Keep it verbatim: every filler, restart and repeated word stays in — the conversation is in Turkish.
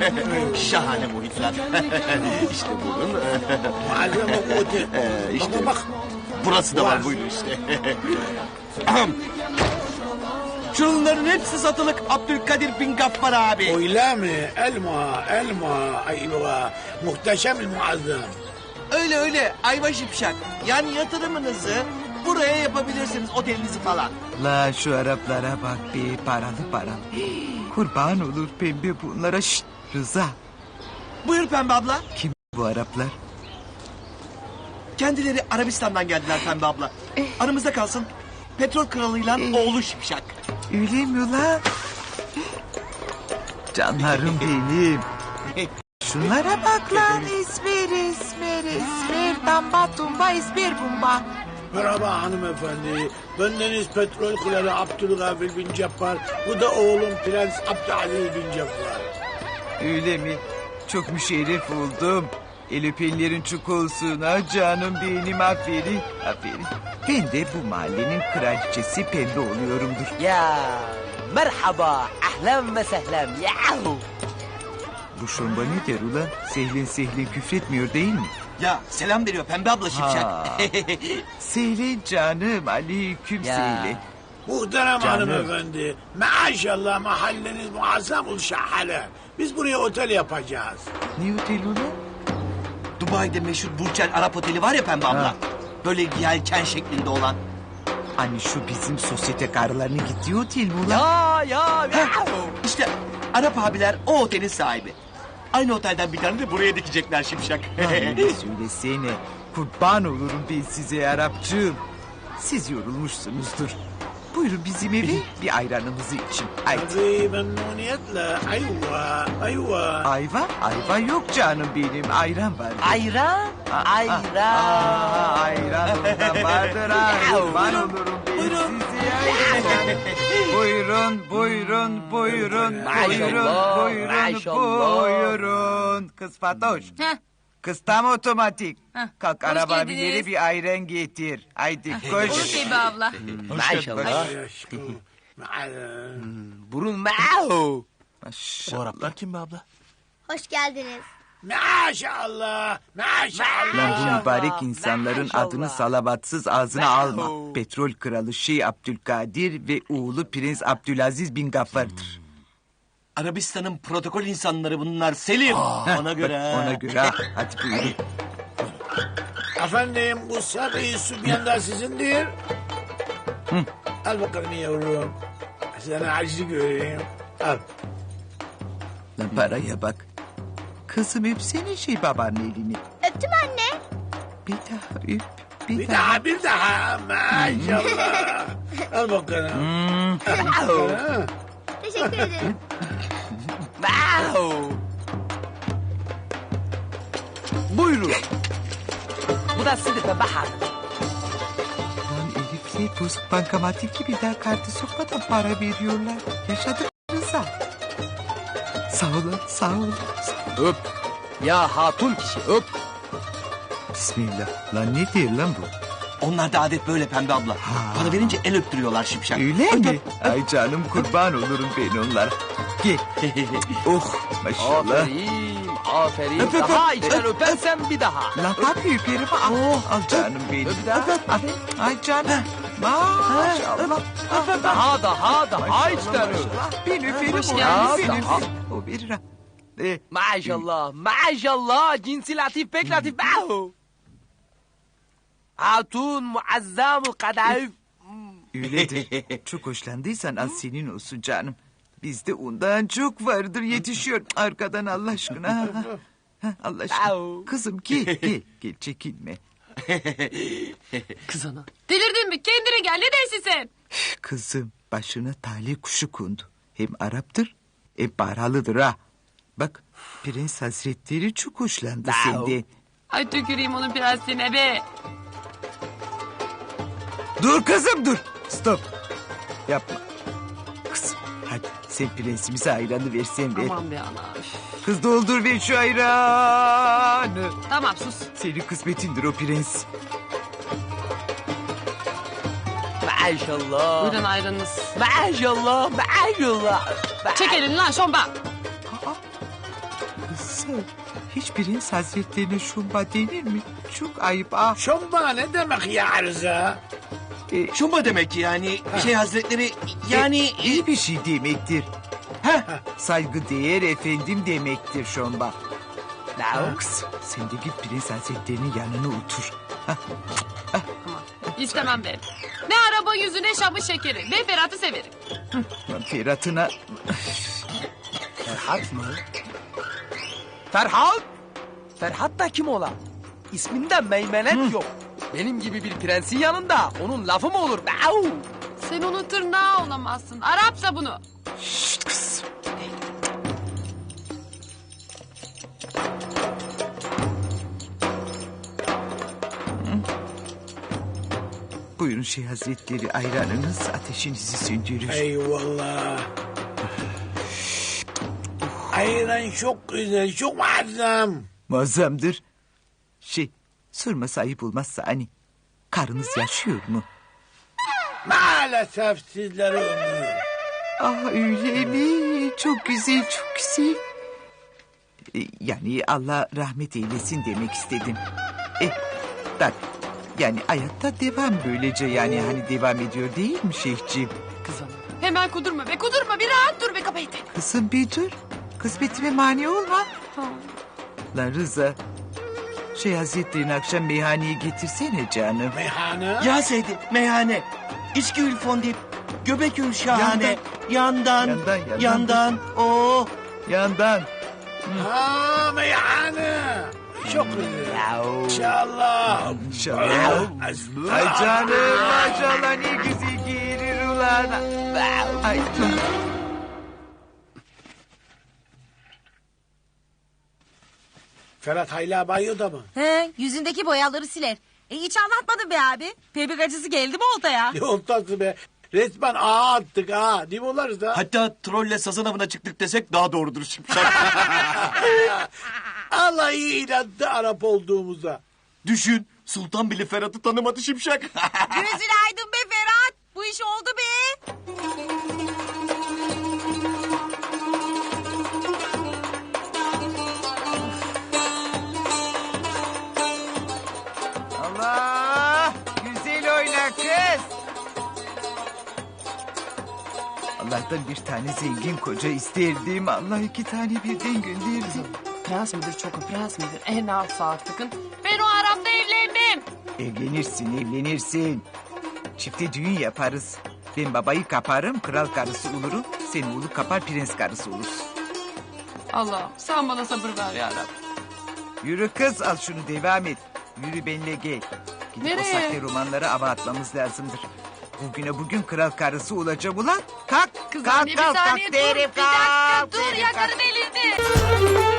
Şahane muhitler. İşte buyurun. Malzeme bu otel. Ee, işte. Bak bak. Burası da var, buyurun işte. Şunların hepsi satılık Abdülkadir bin Gaffar abi. Öyle mi? Elma, elma. Ayva. Muhteşem el muazzam. Öyle öyle ayva şipşak. Yani yatırımınızı buraya yapabilirsiniz, otelinizi falan. La şu Araplara bak be, paralı paralı. Hii, kurban olur pembe bunlara. Şşt Rıza. Buyur Pembe abla. Kim bu Araplar? Kendileri Arabistan'dan geldiler Pembe abla. Aramızda kalsın. Petrol kralıyla oğlu şipşak. Öyle mi lan? Canlarım benim. Şunlara bak lan. İsmer, İsmer, İsmer. Tamba tumba, İsmer bumba. Merhaba hanımefendi. Bendeniz petrol kralı Abdülgafir bin Cappar. Bu da oğlum Prens Abdülaziz bin Cappar. Öyle mi? Çok müşerref oldum. El öpenlerin çok olsun ha canım benim, aferin, aferin. Ben de bu mahallenin kraliçesi pembe oluyorumdur. Ya merhaba, ahlan ve sehlen, yahu. Bu şomba ne der ulan? Sehlen sehlen küfretmiyor değil mi? Ya selam veriyor Pembe abla şipşak. Ha. Sehlen canım, aleyküm Ya. sehlen. Muhterem Canım. hanımefendi. Maşallah mahalleniz muazzam şahane. Biz buraya otel yapacağız. Ne otel ulan? Dubai'de meşhur Burçel Arap Oteli var ya Pembe abla. Ha. Böyle yelken şeklinde olan. Hani şu bizim sosyete karılarının gittiği otel mi ulan? Ya ya yahu. İşte Arap abiler o otelin sahibi. Aynı otelden bir tane de buraya dikecekler şipşak. Ay, söylesene. Kurban olurum ben size Arapçığım. Siz yorulmuşsunuzdur. Buyurun bizim eve bir ayranımızı için. Haydi. Tabii memnuniyetle. Ayva, ayva. Ayva? Ayva yok canım benim. Ayran var. Ayran, ayran. Aa, ayran ondan vardır ha. Kurban Buyurun, olurum ben buyurun. size ayran. Buyurun, buyurun, buyurun, buyurun, Maşallah, buyurun, maşallah. buyurun. Kız Fatoş. Heh. Kız tam otomatik. Heh, Kalk hoş araba geldiniz. bineri bir ayran getir. Haydi koş. Olur Pembe abla. Maşallah. Ay aşkım. Maal- Burun mahu. Maşallah. Araplar kim be abla? Hoş geldiniz. Maşallah. Maşallah. Lan bu mübarek insanların Maşallah. adını salavatsız ağzına alma. Petrol kralı Şeyh Abdülkadir ve oğlu Prens Abdülaziz bin Gaffar'dır. Arabistan'ın protokol insanları bunlar Selim. Ona göre. Ona göre ha. Hadi buyurun. Efendim bu sarı sübyan da sizindir. Al bakalım yavrum. Sana acı göreyim. Al. Lan paraya bak. Kızım öpsene şey babanın elini. Öptüm anne. Bir daha öp. Bir, Bir daha. daha bir daha. Maşallah. Al bakalım. Ha. Teşekkür ederim. Mahu. Buyurun. Bu da size de bahar. Lan herifler bozuk bankamatik gibi daha kartı sokmadan para veriyorlar. Yaşadık Rıza. Sağ olun, sağ olun. Sağ olun. Öp. Ya hatun kişi öp. Bismillah. Lan ne diyor lan bu? Onlar da adet böyle Pembe abla. Para verince el öptürüyorlar şipşak. Öyle mi? Ay canım kurban olurum ben onlara. Gel. Oh maşallah. Aferin, aferin. Öp, öp, Daha öp, içten öp, öpersen bir daha. Lan tabii öperim. Al, al canım benim. Öp daha. Al. Ay canım. Maşallah. Daha daha daha içten öp. Maşallah. Ben öperim Hoş onu. geldiniz. Ben Daha. öperim. O verir ha. E, Maşallah, maşallah. Cinsi latif pek latif. Mahu. Hatun muazzamul kadayıf. öyledir. Çok hoşlandıysan az senin olsun canım. Bizde ondan çok vardır yetişiyor. Arkadan Allah aşkına. Ha, ha. Ha, Allah aşkına. Au. Kızım gel gel. Gel çekinme. Kız ana. Delirdin mi? Kendine gel. Ne dersin sen? Kızım başına talih kuşu kondu. Hem Arap'tır hem paralıdır ha. Bak Prens Hazretleri çok hoşlandı Au. senden. Ay tüküreyim onun prensine be. Dur kızım dur. Stop. Yapma. Kızım hadi sen prensimize ayranı versen ver. Aman be ana. üf. Kız doldur ver şu ayranı. Tamam sus. Senin kısmetindir o prens. Maşallah. Buyurun ayranınız. Maşallah, maşallah. Çek elini lan şomba. Hiç prens hazretlerine şumba denir mi? Çok ayıp ah. Şomba ne demek ya Rıza? E, Şumba demek yani şey hazretleri yani... e, iyi bir şey demektir. Heh, Saygı değer efendim demektir şomba. Laux, sen de git prens hazretlerinin yanına otur. Hah, İstemem ben. Ne araba yüzü ne şamı şekeri. Ben Ferhat'ı severim. Ferhat'ına... Ferhat mı? Ferhat? Ferhat da kim ola? İsminde meymenet yok. Benim gibi bir prensin yanında onun lafı mı olur? Au! Sen onun tırnağı olamazsın. Arapsa bunu. Şşt kız. Buyurun şey hazretleri ayranınız ateşinizi söndürür. Eyvallah. Ayran çok güzel, çok muazzam. Muazzamdır. Şey sorması ayıp olmazsa hani karınız yaşıyor mu? Maalesef sizlere ömür. Ah öyle mi? Çok güzel çok güzel. E, Yani Allah rahmet eylesin demek istedim. E, bak yani hayatta devam böylece yani hani devam ediyor değil mi şeyhciğim? Kızım. Hemen kudurma be kudurma. Bir rahat dur be kapayı. Kızım bir dur. Kısmetime mani olma. Lan Rıza. Şey hazretlerini akşam meyhaneye getirsene canım. Meyhane. ya Seydi meyhane. İçki ülfondip. Göbek ül şahane. Yandan. Yandan, yandan. Yandan. Oo. Yandan. Ha meyhane. Çok güzel. İnşallah. İnşallah. Ay canım maşallah ne güzel giyilir ulan. Ay Ferhat hala banyoda mı? He, yüzündeki boyaları siler. E hiç anlatmadın be abi. Bebek acısı geldi mi oltaya? Ne oltası be? Resmen ağa attık ha. Değil mi olarız da? Hatta trolle sazan avına çıktık desek daha doğrudur Şimşek. Allah iyi inandı Arap olduğumuza. Düşün Sultan bile Ferhat'ı tanımadı Şimşek. Gözün aydın be Ferhat. Bu iş oldu be. Allah! Güzel oyna kız. Allah'tan bir tane zengin koca isterdim. Allah iki tane birden gönderdi. Prens midir çok prens midir? En alt artıkın. Ben o Arap'la evlenmem. Evlenirsin, evlenirsin. Çifte düğün yaparız. Ben babayı kaparım, kral karısı olurum. Sen oğlu kapar, prens karısı olursun. Allah sen bana sabır ver ya Rab. Yürü kız, al şunu devam et. Yürü benimle gel. Gidip Nereye? o sahte romanları ava atmamız lazımdır. Bugüne bugün kral karısı olacağım ulan. Kalk, Kız kalk, anne bir kalk, saniye kalk dur. derim, Bir dakika kalk dur derim, yakarım kalk. elini.